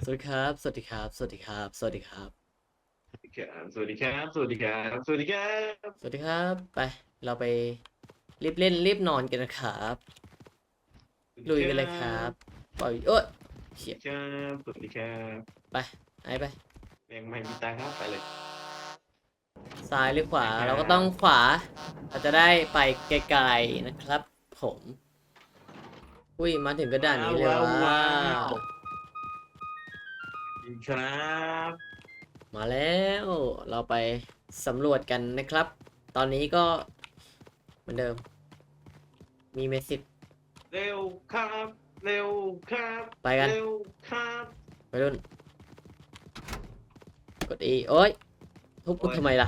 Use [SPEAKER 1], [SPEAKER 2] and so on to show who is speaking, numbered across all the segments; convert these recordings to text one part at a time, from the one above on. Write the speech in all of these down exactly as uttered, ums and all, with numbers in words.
[SPEAKER 1] สวัสดีครับ สวัสดีครับ สวัสดีครับ สวัสดีครับ
[SPEAKER 2] สวัสดีครับ สวัสดีครับ สวัสดีครับ
[SPEAKER 1] สวัสดีครับ ไป เราไปรีบเล่นรีบนอนกันนะครับลุย
[SPEAKER 2] สวัสดีครั
[SPEAKER 1] กันเลยครับ
[SPEAKER 2] บ
[SPEAKER 1] ปล่อยเอ้ยเฉียบ
[SPEAKER 2] สวัสดีครับสวัสดีครับ
[SPEAKER 1] ไปไอ้ไป
[SPEAKER 2] ยังไม่มีตังค์ครับไปเลย
[SPEAKER 1] ซ้ายหรือขวา
[SPEAKER 2] นะครั
[SPEAKER 1] เราก็ต้อง
[SPEAKER 2] บ
[SPEAKER 1] ขวา เราจะได้ไปไกลๆนะครับ ผม อุ้ย มาถึงกระดาน
[SPEAKER 2] ว้าว
[SPEAKER 1] นี้เลย
[SPEAKER 2] ว้าว
[SPEAKER 1] ว่า
[SPEAKER 2] ว้าวดีครับ
[SPEAKER 1] มาแล้ว เราไปสำรวจกันนะครับ ตอนนี้ก็เหมือนเดิม มีเมสซิส
[SPEAKER 2] เร็วครับเร็วครับ
[SPEAKER 1] ไปกัน
[SPEAKER 2] เร็วครับ
[SPEAKER 1] ไปรุ่นกด E โอ้ยทุบกู
[SPEAKER 2] โอ้ย
[SPEAKER 1] ทำไมล่ะ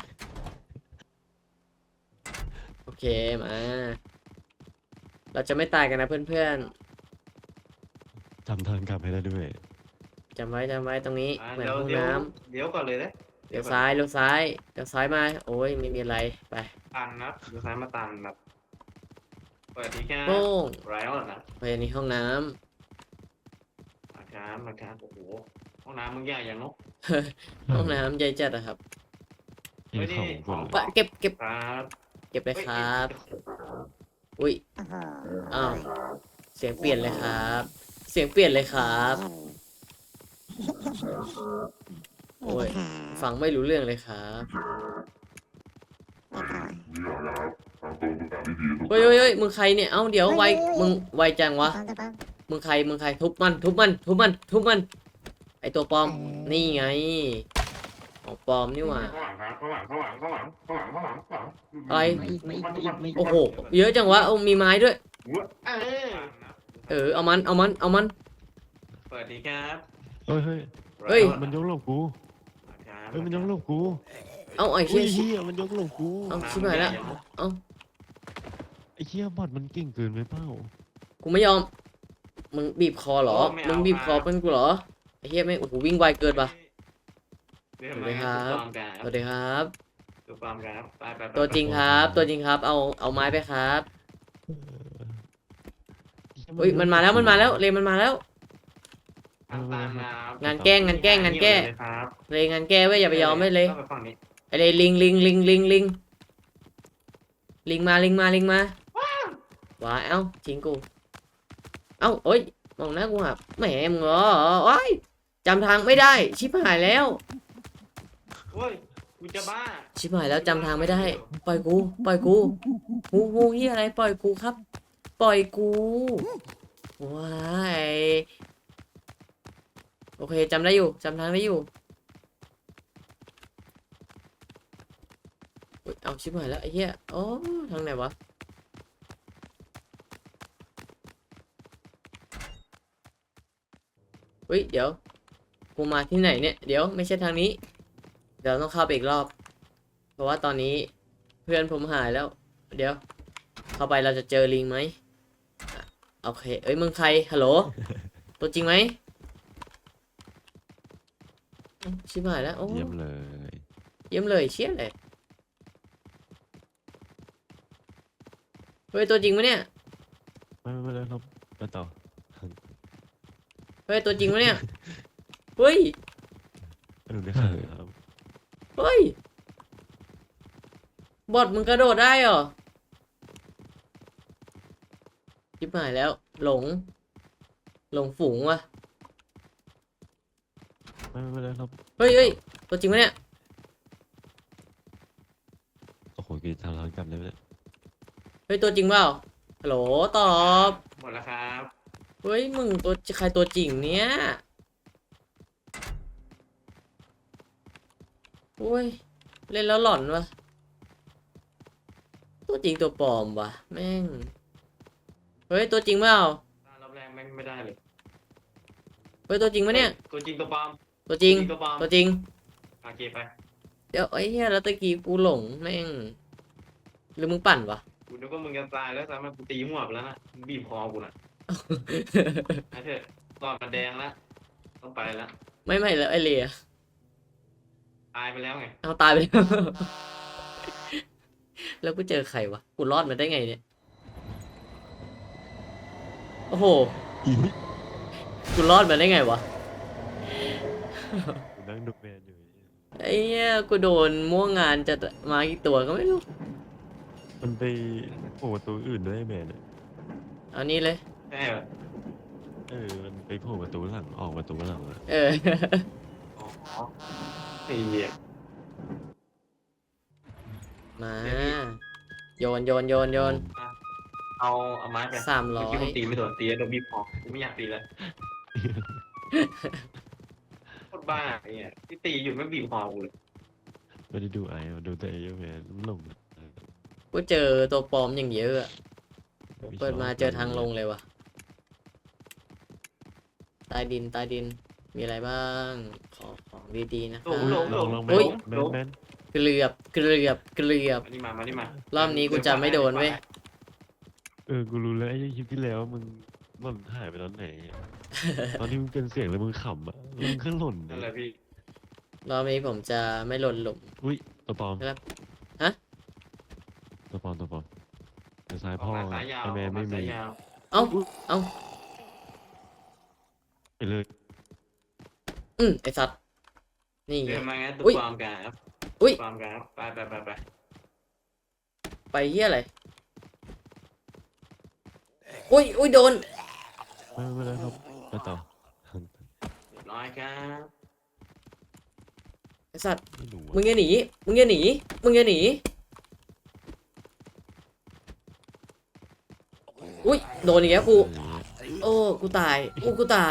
[SPEAKER 1] โอเค มา เราจะไม่ตายกันนะเพื่อน
[SPEAKER 3] จำทางกลับให้ได้ด้วย
[SPEAKER 1] ๆจำไว้จำไว้ตรงนี้
[SPEAKER 2] อ่า
[SPEAKER 1] เหมือน
[SPEAKER 2] เดี๋ยวเดี๋ยว
[SPEAKER 1] ห้องน้
[SPEAKER 2] เดี๋ยวก่อนเลยนะ
[SPEAKER 1] ำ
[SPEAKER 2] เดี๋
[SPEAKER 1] เลี้
[SPEAKER 2] ยวก่อน
[SPEAKER 1] ยวซ้ายเลี้ยวซ้ายเลี้ยวซ้ายมา โอ้ยไม่มีอะไร ไป
[SPEAKER 2] ตันนะเดี๋ยวซ้ายมาตันแบบสวัสดีครับ
[SPEAKER 1] โป้ง
[SPEAKER 2] ไรออนนะ
[SPEAKER 1] ไปในห้องน้
[SPEAKER 2] นะครับนะครับโอ้โหห้องน้ำมึงใหญ่อย่างเนาะ
[SPEAKER 1] ำ ห้องน้ำใหญ่จัดอะครับ
[SPEAKER 3] เห็นของค
[SPEAKER 2] ขอน ง
[SPEAKER 1] ปะเก็บเก็บ
[SPEAKER 2] ครับ
[SPEAKER 1] เก็บเลยค
[SPEAKER 2] เฮ้ย
[SPEAKER 1] รับ
[SPEAKER 2] เฮ้ย
[SPEAKER 1] อุ้ย อ้าว เสียงเปลี่ยนเลยครับ เสียงเปลี่ยนเลยครับ โอ้ย ฟังไม่รู้เรื่องเลยครับ เฮ้ยเฮ้ยเฮ้ยมึงใครเนี่ย เอ้า เดี๋ยวไว มึงไวจังวะ มึงใคร มึงใคร ทุบมัน ทุบมัน ทุบมัน ทุบมัน ไอตัวปลอม นี่ไง ของปลอมนี่หว่า
[SPEAKER 2] ข้างหลังครับข้างหลังข้างหลังข้างหลังข้างหลังข้างหลังข้างหลัง
[SPEAKER 1] อะไร
[SPEAKER 4] ไม่ไม่ไม่ไม่
[SPEAKER 1] โอ้โห เยอะจังวะเอามีไม้ด้วย
[SPEAKER 2] เออ
[SPEAKER 1] เออ เอามัน เอามัน เอามัน
[SPEAKER 2] สวัสดีครับ
[SPEAKER 3] เฮ้ยเฮ้ย
[SPEAKER 1] เฮ้ย
[SPEAKER 3] มันยกหลบกูเฮ้ยมันยกหลบกู
[SPEAKER 1] เอาไอ้
[SPEAKER 3] อุ้
[SPEAKER 1] เชี่
[SPEAKER 3] ย
[SPEAKER 1] ย
[SPEAKER 3] เฮียมันยกหลบกู
[SPEAKER 1] เอาชิบหายแล้ว เอา
[SPEAKER 3] ไอ้เฮียบอดมันเก่งเกินไปเปล่า
[SPEAKER 1] กูไม่ยอม มึงบีบคอเหรอ มึงบีบคอเป็นกูเหรอ ไอ้เหี้ยไม่งโอ้โหวิ่งไวเกินปะ
[SPEAKER 2] เรียกมาครับ
[SPEAKER 1] สวัสดีครับ
[SPEAKER 2] ตัวปลอมครับไปไปไป
[SPEAKER 1] ตัวจริงครับ ตัวจริงครับ เอา เอาไม้ไปครับ
[SPEAKER 3] เ
[SPEAKER 1] อุ้ย มันมาแล้ว มันมาแล้ว เรมันมาแล้ว
[SPEAKER 2] ตามตามครับ
[SPEAKER 1] งานแกล้ง งานแกล้ง งานแก้
[SPEAKER 2] ครับ
[SPEAKER 1] เรงานแก้เว้ย อย่าไปยอมไม่เลย
[SPEAKER 2] ข้าไปฝั่งนี้
[SPEAKER 1] ไอ้เลยลิงลิงลิงลิงลิงลิงมา ลิงมา ลิงมาว้ายเอ้าทิ้งกู เอ้าเอ้ย มองหน้ากูหับแหมมึงเหรอโอ้ยจำทางไม่ได้ ชิบหายแล้ว
[SPEAKER 2] โอ้ยกูจะบ้า
[SPEAKER 1] ชิบหายแล้วจำทางไม่ได้ ปล่อยกู ปล่อยกูงูงูเฮียอะไร ปล่อยกูครับ ปล่อยกูว้ายโอเคจำได้อยู่จำทางได้อยู่อุ๊ยเอาชิบหายแล้วไอ้เหี้ยโอ้ทางไหนวะเฮ้ยเดี๋ยวกูมาที่ไหนเนี่ยเดี๋ยวไม่ใช่ทางนี้เดี๋ยวต้องเข้าไปอีกรอบ เพราะว่าตอนนี้เพื่อนผมหายแล้ว เดี๋ยว เข้าไปเราจะเจอลิงไหมอ่ะโอเคเอ้ยมึงใครฮัลโหล ตัวจริงไหมอ้าวชิบหายแล้วโอ้
[SPEAKER 3] เยี่ยมเลย
[SPEAKER 1] เยี่ยมเลยเชี่ยเลยเฮ้ยตัวจริงไหมเนี่ย
[SPEAKER 3] ไม่ไม่ไม่แล้วเราไปต่อ
[SPEAKER 1] เฮ้ยตัวจริงไหมเนี่ยเฮ้ย
[SPEAKER 3] หนูได้ข่าวครับ
[SPEAKER 1] เฮ้ยบอทมึงกระโดดได้เหรอชิบหายแล้วหลง หลงฝูงวะ
[SPEAKER 3] ไม่ไม่ไม่แล้วเรา
[SPEAKER 1] เฮ้ยเฮ้ยตัวจริงไหมเนี่ย
[SPEAKER 3] โอ้โหกี่ทางทางกลับเลยเนี่ย
[SPEAKER 1] เฮ้ยตัวจริงเปล่าฮัลโหลตอบ
[SPEAKER 2] หมดแล้วครับ
[SPEAKER 1] เฮ้ยมึงตัวใครตัวจริงเนี่ยโอ้ยเล่นแล้วหลอนวะตัวจริงตัวปลอมวะแม่งเฮ้ยตัวจริงเปล่าร
[SPEAKER 2] อบแรกไม่ไม่ได้เลย
[SPEAKER 1] เฮ้ยตัวจริงปะเนี่ย
[SPEAKER 2] ตัวจริงตัวปลอม
[SPEAKER 1] ตัวจริง
[SPEAKER 2] ตัวปลอม
[SPEAKER 1] ตัวจริง
[SPEAKER 2] โอเคไป
[SPEAKER 1] เดี๋ยวไอ้เหี้ยแล้วตะกี้กูหลงแม่งหรือมึงปั่นวะ
[SPEAKER 2] กูนึกว่ามึงจะตายแล้วสามารถกูตีหัวไปแล้วนะมึงบีบคอกูน่ะไอ้เถอะตอนมันแดงแล้วต้องไปแล้ว
[SPEAKER 1] ไม่ไม่แล้วไอเลีย
[SPEAKER 2] ตายไปแล้วไง
[SPEAKER 1] เอาตายไปแล้ว แล้วกูเจอใครวะกูรอดมาได้ไงเนี่ยโอ้โห
[SPEAKER 3] อี
[SPEAKER 1] กูรอดมาได้ไงวะ
[SPEAKER 3] กูนั่งดูแมนอยู่
[SPEAKER 1] ไอ้เหี้ยกูโดนม่วงงานจะมากี่ตัวก็ไม่รู้
[SPEAKER 3] มันไปโผล่ประตูอื่นด้วยไอ้แมนอะ
[SPEAKER 1] เอานี่เลย
[SPEAKER 2] ใช่เหรอ
[SPEAKER 3] เออมันไปโผล่ประตูหลังออกประตูหลังอะ
[SPEAKER 1] เออ
[SPEAKER 2] อ๋อไอ้เหี้ย
[SPEAKER 1] มาโยนโยนโยนโยน
[SPEAKER 2] เอาเอาไม้ไป
[SPEAKER 1] สามร้อย
[SPEAKER 2] เมื่อกี้ผมตีไม่โดนตีแล้วโดนบีบคอกูไม่อยากตีแล้วโคตรบ้าไอ้เนี่ยที่ตีอยู่ไม่บีบคอกูเลย
[SPEAKER 3] ไม่ได้ดูไอ้อะดูแต่ไอ้แมนมันหลง
[SPEAKER 1] กูเจอตัวปลอมอย่างเยอะอะเปิดมาเจอทางลงเลยว่ะใต้ดินใต้ดินมีอะไรบ้างขอของดีๆนะค
[SPEAKER 2] หล
[SPEAKER 1] รั
[SPEAKER 2] งหล
[SPEAKER 1] บ
[SPEAKER 2] งหล
[SPEAKER 3] ลอง
[SPEAKER 2] ง
[SPEAKER 3] ลอง
[SPEAKER 2] ห
[SPEAKER 3] แม
[SPEAKER 2] ล
[SPEAKER 3] น
[SPEAKER 2] ง
[SPEAKER 3] แม
[SPEAKER 2] หล
[SPEAKER 3] น
[SPEAKER 2] ง
[SPEAKER 3] แมน
[SPEAKER 1] เกลือบเกลือบเกลือบ
[SPEAKER 2] มานี่มามานี่มาร
[SPEAKER 1] อบนี้กูจะไม่โดนเว้ย
[SPEAKER 3] เออกูรู้แล้วไอ้คลิปที่แล้วมึงหล่นหายไปตอนไหนอะ ตอนที่มึงเป็นเสียงแล้วมึงขำอ่ะมึงก็หล่น
[SPEAKER 2] นั่นแหละพี่
[SPEAKER 1] รอบนี้ผมจะไม่หล่นหลุม
[SPEAKER 3] อุ้ยตัวปลอม
[SPEAKER 1] ครับฮะ
[SPEAKER 3] ตัวปลอมตัวปลอมแต่ซ้าย
[SPEAKER 2] ออ
[SPEAKER 3] พ่
[SPEAKER 2] ก
[SPEAKER 3] อ
[SPEAKER 2] มาสายยาว
[SPEAKER 3] ไอแมน
[SPEAKER 2] ออก
[SPEAKER 3] ไม่
[SPEAKER 2] มา
[SPEAKER 3] มี
[SPEAKER 2] สายยาว
[SPEAKER 1] เอ้าเอ้า
[SPEAKER 3] ไปเลย
[SPEAKER 1] อืมไอสัตว์นี่ไง
[SPEAKER 2] เดินมางั้นตัว
[SPEAKER 1] อุ๊ย
[SPEAKER 2] ปลอมกันครับ
[SPEAKER 1] อุ๊ย
[SPEAKER 2] ปลอมกันครับไปไปไปไป
[SPEAKER 1] ไปเฮียอะไรอุ้ยอุ้ยโดน
[SPEAKER 3] ไม่ไม่เป็นไรครับไปต่อ
[SPEAKER 2] เรียบร้อยครับ
[SPEAKER 1] ไอสัตว์
[SPEAKER 3] ไม่รู้
[SPEAKER 1] มึ
[SPEAKER 3] อะ
[SPEAKER 1] งอย่าหนีมึงอย่าหนีมึงอย่าหนีอุ้ยโดนอีกแล้วกู
[SPEAKER 3] เออ
[SPEAKER 1] โอ้ กูตาย อู้กูตาย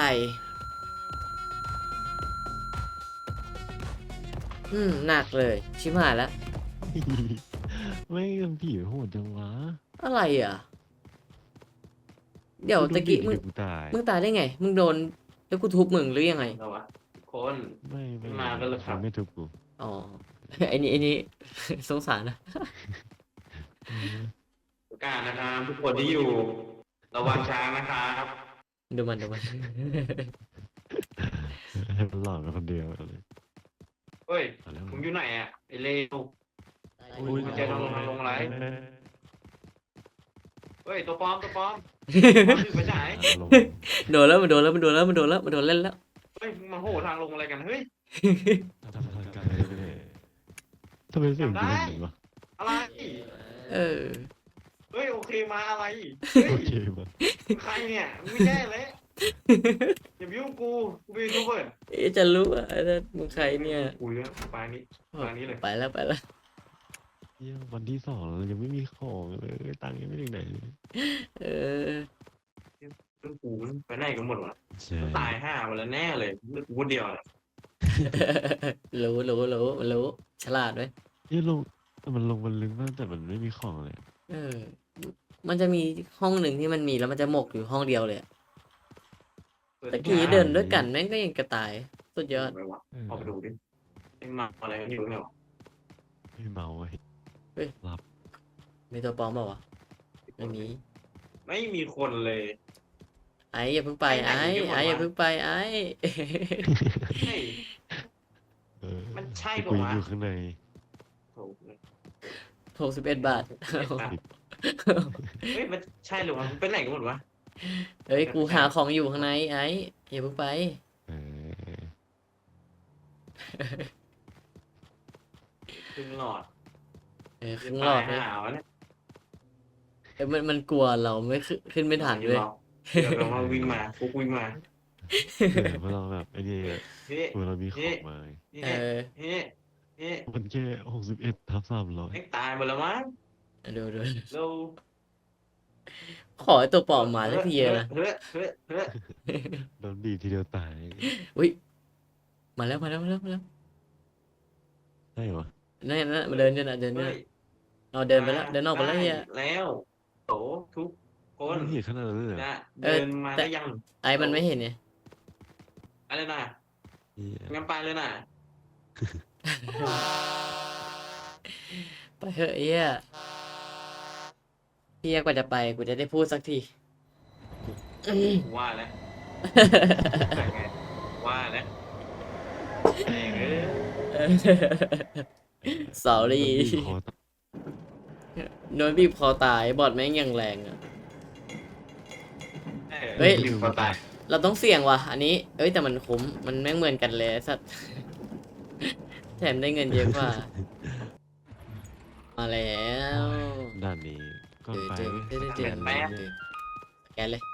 [SPEAKER 1] อืม หนักเลย ชิบหายแล้ว
[SPEAKER 3] ไม่กันผีโหดจังวะ
[SPEAKER 1] อะไรอ่ะ เดี๋ยวตะกี้มึง
[SPEAKER 3] เดี๋ยวกูตาย
[SPEAKER 1] มึงตายได้ไง มึงโดน แล้วกูทุบมึงหรือยังไง
[SPEAKER 2] เราวะทุกคน
[SPEAKER 3] ไม่ไม่
[SPEAKER 2] มากันเลยครับ
[SPEAKER 3] ไม่ทุบกู
[SPEAKER 1] อ๋อ ไอ้นี่ไอ้นี่ สงสารนะ
[SPEAKER 3] เออ
[SPEAKER 2] ประกาศนะครับทุกคนที่อยู่ระวังช้างนะครับ
[SPEAKER 1] ดูมันดูมัน
[SPEAKER 3] ให้มันหลอกกันคนเดียวเลย
[SPEAKER 2] เฮ้ย
[SPEAKER 3] เอาแล้ว
[SPEAKER 2] มึงอยู่ไหนอ่ะไอ้เลว
[SPEAKER 3] อุ้ย
[SPEAKER 2] มันจะลงมาลงไลฟ์ เฮ้ยตัวปลอมตัวปลอมถือไปฉาย
[SPEAKER 3] ลง
[SPEAKER 1] โดนแล้วมันโดนแล้วมันโดนแล้วมันโดนแล้วมันโดนเล่นแล้ว
[SPEAKER 2] เฮ้ยมึงมาโหทางลงอะไรกันเฮ้ย
[SPEAKER 3] ทำทางการไปเลยทำไมเสียงกูเป็นอย่างนี้วะ
[SPEAKER 2] อะไร
[SPEAKER 1] เออ
[SPEAKER 2] เฮ้ยโอเคมาอะไรเฮ้ย
[SPEAKER 3] โอเคมา
[SPEAKER 2] มึงใครเนี่ยมึงไม่แน่เลยอย่ามายุ่งกูกูเป็นยูทูบเบอร์
[SPEAKER 1] เอ๊ะจะรู้ว่าไอ้นั่นมึงใครเนี่ย
[SPEAKER 2] กูเยอะปลายนี้ปลายนี้เลย
[SPEAKER 1] ไปแล้วไปแล้ว
[SPEAKER 3] เยี่ยวันที่สองเรายังไม่มีของเลยตังค์ยังไม่ถึงไหนเลย
[SPEAKER 1] เออ
[SPEAKER 2] เรื่องกูไปไหนกันหมดวะ
[SPEAKER 3] ใช่
[SPEAKER 2] ตายห้าหมดแล้วแน่เลยเหลือกูคนเดียวเลย
[SPEAKER 1] รู้รู้รู้มันรู้ ฉลาดไหม
[SPEAKER 3] เยี่ยลงแต่มันลงมันลึกมากแต่มันไม่มีของเลย
[SPEAKER 1] เออ มันจะมีห้องหนึ่งที่มันมีแล้วมันจะหมกอยู่ห้องเดียวเลยอะตะกี้เดินด้วยกันแม่งก็ยังกระต่าย สุดยอด
[SPEAKER 2] ไปวะ
[SPEAKER 3] เออ
[SPEAKER 2] ออกไปดูดิไอ้มาอะไรกันอยู่เนี่ยวะ
[SPEAKER 3] ไม่เมาเว้ย
[SPEAKER 1] มีตัวปลอมเปล่าวะไม่มี
[SPEAKER 2] ไม่มีคนเลย
[SPEAKER 1] ไอ้อย่าเพิ่งไปไอ้ไอ้อย่าเพิ่งไปไอ้
[SPEAKER 2] เฮ้ย
[SPEAKER 3] เออ
[SPEAKER 2] มันใช่
[SPEAKER 3] แต่
[SPEAKER 2] ปะ
[SPEAKER 3] กูยัง
[SPEAKER 2] วะ
[SPEAKER 3] อยู่ข้างใน
[SPEAKER 2] โถ่
[SPEAKER 1] หกสิบเอ็ดบาท
[SPEAKER 2] เฮ้ยมันใช่หรือวะมันเป็นไหนกันหมดวะ
[SPEAKER 1] เฮ้ย กูหาของอยู่ข้างในไอ้อย่าเพิ่งไป
[SPEAKER 3] เออ
[SPEAKER 2] ครึ่งหลอด
[SPEAKER 1] เออครึ่งหลอด
[SPEAKER 2] ตา
[SPEAKER 1] เลย ย
[SPEAKER 2] หาวะเนี่ย
[SPEAKER 1] เออมันมันกลัวเราไม่ขึ้นขึ้นไม่ทันเลย
[SPEAKER 2] เดี๋ยวเรามาวิ่งมาฟุกวิ่งมา
[SPEAKER 3] เออเพราะเราแบบไอ้นี่อะ
[SPEAKER 2] เฮ้
[SPEAKER 3] ตัวเรามีของมา
[SPEAKER 1] เอ
[SPEAKER 2] เฮ้
[SPEAKER 1] อ
[SPEAKER 2] เฮ้เฮ้
[SPEAKER 3] มันแค่หกสิบเอ็ดทับสามร้อย
[SPEAKER 2] ไอ้ตายหมดแล้วมั้ง
[SPEAKER 1] ดูดู
[SPEAKER 2] เรา
[SPEAKER 1] ขอให้ตัวปลอมมาสักทีนะ
[SPEAKER 2] เฮ้เฮ้เฮ้
[SPEAKER 3] โดนบีบทีเดียวตาย
[SPEAKER 1] อุ้ย มาแล้วมาแล้วมาแล้วมาแล้ว
[SPEAKER 3] ใช่เหรอ
[SPEAKER 1] นั่นนั่นมาเดินเนี่ยนะเดินเนี่ย
[SPEAKER 2] เฮ้ย
[SPEAKER 1] เอาเดินไปแล้วเดินออกไปแล้วเฮีย
[SPEAKER 2] แล้วโตทุกคน
[SPEAKER 3] มันเห็นขนาดนั้นเลยเหรอ
[SPEAKER 2] นะ
[SPEAKER 1] เออ
[SPEAKER 2] เดินมา
[SPEAKER 1] แต่
[SPEAKER 2] ได้ยัง
[SPEAKER 1] ไอ้มันไม่เห็นไง
[SPEAKER 2] อะไรนะ
[SPEAKER 3] เหี้ย
[SPEAKER 2] งั้นไปเลยนะ
[SPEAKER 1] ไปเถอะเฮียเฮียกว่าจะไปกูจะได้พูดสักที
[SPEAKER 2] ว่าแล้วไงว่าแล้วเองเอ้ย
[SPEAKER 1] sorry
[SPEAKER 3] โดนบีบคอตาย
[SPEAKER 1] โดนบีบคอตายบอดแม่งอย่างแรงอ่ะ เฮ้
[SPEAKER 2] เฮ้
[SPEAKER 1] ย
[SPEAKER 2] ยลืมคนตาย
[SPEAKER 1] เราต้องเสี่ยงว่ะ อันนี้ เอ้ยแต่มันคุ้ม มันแม่งเหมือนกันเลยไอ้สัตว์ แถมได้เงินเยอะกว่า มาแล้ว
[SPEAKER 3] ด้านนี้ก็ไป
[SPEAKER 1] เจอ
[SPEAKER 3] เว้ย
[SPEAKER 1] เจอเจอเจอ
[SPEAKER 3] แปด
[SPEAKER 1] เจอสแกนเลย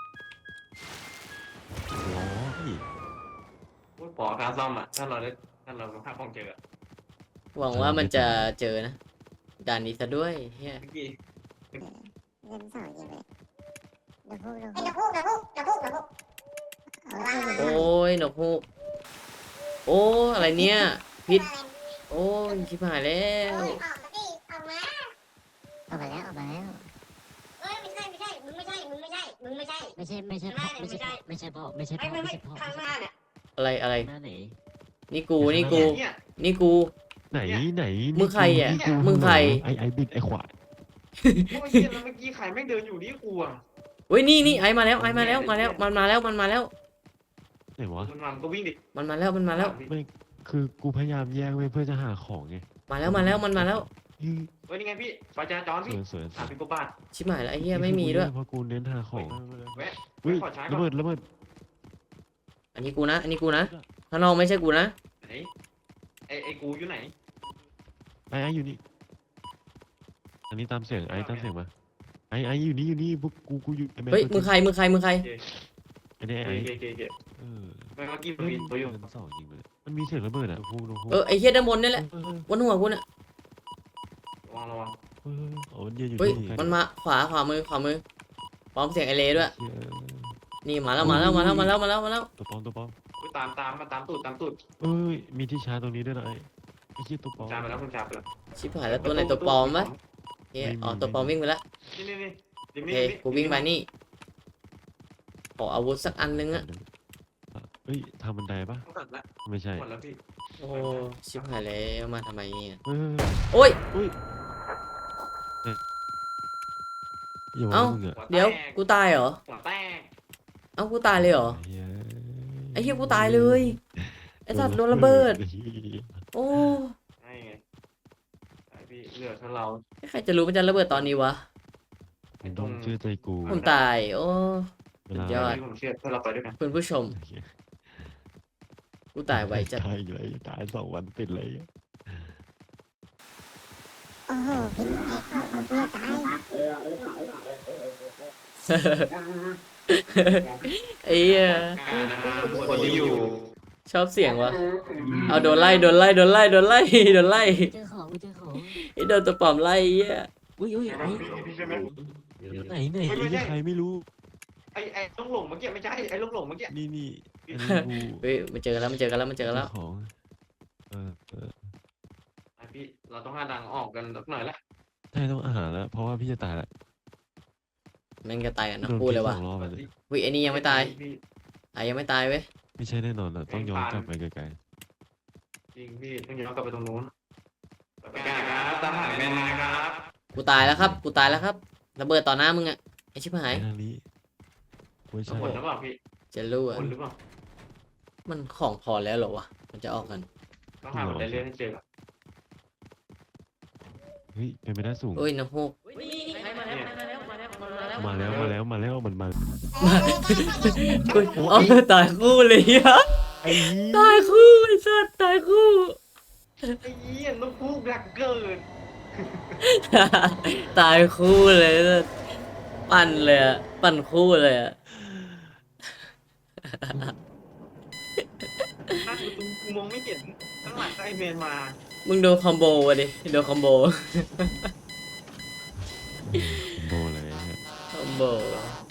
[SPEAKER 3] ร้อย
[SPEAKER 2] พูดขอการซ่อมอ่ะถ้าเราได้ถ้าเราภาพของเจออะ
[SPEAKER 1] หวังว่ามันจะเจอนะ ด่านนี้ซะด้วยเฮีย
[SPEAKER 2] เมื่อกี้
[SPEAKER 4] เงินสองยิงเลยเดี๋ยวพูดเดี๋ยวพูดเดี๋ยวพูดเดี๋ยวพูดเดี๋ยวพูดเดี๋ยวพูด
[SPEAKER 1] โอ้ยนกฮูกโอ้อะไรเนี่ย พิษ โอ้ยชิบหายแล้ว
[SPEAKER 4] ออกมาดิออกมาออกมาแล้วออกมาแล้วเอ้ยไม่ใช่ไม่ใช่มึงไม่ใช่มึงไม่ใช่มึงไม่ใช่
[SPEAKER 5] ไม่ใช่ไม่ใช่พ่อไม่ใช่ไม่ใช่พ่อไม่ใช่
[SPEAKER 4] ไม่
[SPEAKER 5] พ่อ
[SPEAKER 4] ไม่
[SPEAKER 5] ไม่
[SPEAKER 4] ไม่
[SPEAKER 5] ใช่พ่อ
[SPEAKER 4] ข้างหน้าเนี่ย
[SPEAKER 1] อะไรอะไร
[SPEAKER 5] หน้าไหน
[SPEAKER 1] นี่กูนี่กู
[SPEAKER 2] เนี่ย
[SPEAKER 1] นี่กู
[SPEAKER 3] ไหนไหน
[SPEAKER 1] มึงใครอะ
[SPEAKER 3] นี่กู
[SPEAKER 1] มึงใคร
[SPEAKER 3] ไอไอบิดไอขวาย
[SPEAKER 2] โอ้ยเหี้ยแล้วเมื่อกี้ใครแม่งเดินอยู่นี่กูอ่ะ
[SPEAKER 1] เฮ้ยนี่นี่ไอมาแล้วไอมาแล้วมาแล้วมันมาแล้วมันมาแล้ว
[SPEAKER 3] ไหนวะ
[SPEAKER 2] มันมันก็วิ่งดิ
[SPEAKER 1] มันมาแล้วมันมาแล้ว
[SPEAKER 3] ไม่คือกูพยายามแย่งไว้เพื่อจะหาของไง
[SPEAKER 1] มาแล้วมาแล้วมันมาแล้ว
[SPEAKER 3] เฮ้ย
[SPEAKER 2] เฮ้ยนี่ไงพี่ไฟจราจร
[SPEAKER 3] ส
[SPEAKER 2] พี่
[SPEAKER 3] วยสวยส
[SPEAKER 2] สาม
[SPEAKER 3] วย
[SPEAKER 2] สิบกว่าบาท
[SPEAKER 1] ชิบหายแล้วไอ้เหี้ยไม่มีด้วย
[SPEAKER 3] เพราะกูเน้นหาของ
[SPEAKER 2] แวะ
[SPEAKER 3] เฮ้ย
[SPEAKER 2] ขอใช้ก่
[SPEAKER 3] ระ
[SPEAKER 2] อน
[SPEAKER 3] เบิดระเบิด
[SPEAKER 1] อันนี้กูนะ อันนี้กูนะข้างนอกไม่ใช่กูนะ
[SPEAKER 2] ไหนไอไอกูอยู่ไหน
[SPEAKER 3] ไอไออยู่นี่อันนี้ตามเสียงไอตามเสียงมาไอไออยู่นี่อยู่นี่พวกกูกูอยู่ไอ้แม่
[SPEAKER 1] เฮ้ย
[SPEAKER 3] ตัว
[SPEAKER 1] มึงใครมึงใครมึงใคร
[SPEAKER 2] โอเค
[SPEAKER 3] อันนี้ไอ
[SPEAKER 2] โอ
[SPEAKER 3] ไอ
[SPEAKER 2] เคโอเคโอเค
[SPEAKER 3] เออ
[SPEAKER 2] เมื่อกี้มัน
[SPEAKER 3] เฮ้ย
[SPEAKER 2] มีตัวอยู่
[SPEAKER 3] มันสองจริงเลยมันมีเสียงระเบิดอ่ะพูดพูด
[SPEAKER 1] เออไอ้เหี้ยด้านบนนี่แหละ
[SPEAKER 3] เออเออบ
[SPEAKER 1] นหัวกูน่ะ
[SPEAKER 2] ระวังระวัง
[SPEAKER 3] เอออ๋อมันยืนอยู่
[SPEAKER 1] เฮ้ย
[SPEAKER 3] นี่
[SPEAKER 1] มันมาขวาขวามือขวามือพร้อมเสียงไอเลด้วย
[SPEAKER 3] เชี่ย
[SPEAKER 1] นี่มาแล้วมาแล้วมาแล้วมาแล้วมาแล้วมาแล้ว
[SPEAKER 3] ตัวปลอมตัวปลอม
[SPEAKER 2] อุ๊ยตามตามมาตามตูดตามตูด
[SPEAKER 3] เอ้ยมีที่ชาร์จตรงนี้ด้วยนะไอ้ไอ้เชี่ยตัวปลอม
[SPEAKER 2] จามไปแล้วคุณจามไปแล้ว
[SPEAKER 1] ชิบหายแล้วตัวไหนตัวปลอมวะเฮ้ยอ๋อตัวปลอมวิ่งไปแล้ว
[SPEAKER 2] นี่นี่นี่
[SPEAKER 1] โอเคกูวิ่งไปนี่ขออาวุธสักอันนึงอะ
[SPEAKER 3] เฮ้ยทำบันไดปะ
[SPEAKER 2] ต้องตัดละ
[SPEAKER 3] ไม่ใช่
[SPEAKER 2] หมดแล้วพี่
[SPEAKER 1] โอ้ชิบหายแล้วมาทำไมเนี่ย
[SPEAKER 3] เออ
[SPEAKER 1] โอ้ย
[SPEAKER 3] อุ้ยเนี่ยอย่าว่า
[SPEAKER 1] เอ้า
[SPEAKER 3] มึงอะ
[SPEAKER 2] หัแตก
[SPEAKER 1] เดี๋ยวกูตายเหรอ
[SPEAKER 2] หัวแตก
[SPEAKER 1] เอ้ากูตายเลยเหรอ
[SPEAKER 3] เหี้ย
[SPEAKER 1] ไอ้เหี้ยกูตายเลยไอ้สัตว์โดนระเบิด โอ้
[SPEAKER 2] ใช่ไงไอพี่เหลือเท่าเรา
[SPEAKER 1] ใครจะรู้มันจะระเบิดตอนนี้วะ
[SPEAKER 3] มึงต้องเชื่อใจกู
[SPEAKER 1] ผมตาย โอ้
[SPEAKER 3] เวลา
[SPEAKER 1] สุดยอด
[SPEAKER 2] พี่ผมเชื่อถ้าเราไปด้วยกัน
[SPEAKER 1] คุณผู้ชม กูตายไวจัด
[SPEAKER 3] ตายเลยตายสองวันติดเลย
[SPEAKER 4] โอ้โหพี่ไอ้ข้าวมันเพื่อตาย
[SPEAKER 1] ไอ้เหี้ย
[SPEAKER 2] การนะครับคนที่อยู่
[SPEAKER 1] ชอบเสียงวะเอาโดนไล่โดนไล่โดนไล่โดนไล่โดนไล่
[SPEAKER 5] เจอของเจอของ
[SPEAKER 1] ไอ้โดนตัวปลอมไล่ไอ้เหี้ย
[SPEAKER 5] อุ้ยอุ้ย
[SPEAKER 2] ใช่ไหม
[SPEAKER 5] ไอ้
[SPEAKER 2] พี่พี่ใช่ไหม
[SPEAKER 5] ไหนไหน
[SPEAKER 3] ไอ้เหี้ยใครไม่รู้
[SPEAKER 2] ไอไอลูกหลงเมื่อกี้ไม่ใช่ไอลูกหลงเมื่อกี้
[SPEAKER 3] นี่นี่อันนี้กู
[SPEAKER 1] เฮ้ยมันเจอกันแล้วมันเจอกันแล้วมันเจอกันแล้ว
[SPEAKER 3] จ้าของเออเออ
[SPEAKER 2] ไอพี่เราต้องหาดังออกกันสักหน่อยละ
[SPEAKER 3] ใช่ต้องอาหารแล้ว เพราะว่าพี่จะตายแล้ว
[SPEAKER 1] แม่งจะตายกันนะ
[SPEAKER 3] โดน
[SPEAKER 1] พูดเลย
[SPEAKER 3] พิษ
[SPEAKER 1] ว่ะ
[SPEAKER 3] สองรอบเลย
[SPEAKER 1] วิไอ้นี่ยังไม่ตาย
[SPEAKER 2] พี่
[SPEAKER 1] ไอ้ยังไม่ตายเว้ย
[SPEAKER 3] ไม่ใช่แน่นอนอ่ะต้องย้อนกลับไปไกล
[SPEAKER 2] จริงพี่ต้องย้อนกลับไปตรงนู้นไปกันครับตามหาแมนมาครับ
[SPEAKER 1] กูตายแล้วครับกูตายแล้วครับระเบิดต่อหน้ามึงอะไอ้ชิบ
[SPEAKER 3] ๆ
[SPEAKER 1] หาย
[SPEAKER 3] ไปทางนี้ไม่
[SPEAKER 2] ทุก
[SPEAKER 3] ใช่
[SPEAKER 2] คนหรือเปล่าพี่
[SPEAKER 1] จะรู้
[SPEAKER 2] ทุก
[SPEAKER 1] อะ
[SPEAKER 2] คนหรือเปล่า
[SPEAKER 1] มันของพอแล้วเหรอวะมันจะออกกัน
[SPEAKER 2] ต้องหาบันไดเลื่อนให้เจอก่อน
[SPEAKER 3] เฮ้ยเป็นไปได้สูง
[SPEAKER 1] เอ้ยน้ำฮูก
[SPEAKER 3] มาแล้วมาแล้วมาแล้วมันมา
[SPEAKER 1] เฮ้ยอ๋อตายคู่เลยอะ
[SPEAKER 3] ไอ้เหี้ย
[SPEAKER 1] ตายคู่ไอ้สัสตายคู่
[SPEAKER 2] ไอ้เหี้ยลูกพูกรักเกิน
[SPEAKER 1] ตายคู่เลยสัสปั่นเลยอะปั่นคู่เลยอะ
[SPEAKER 2] นั่นกูกูมองไม่เห็นข้างหลังก็ไอเมนมา
[SPEAKER 1] มึงโดนคอมโบวะดิโดนคอมโบ
[SPEAKER 3] โบเลย
[SPEAKER 1] คอมโบ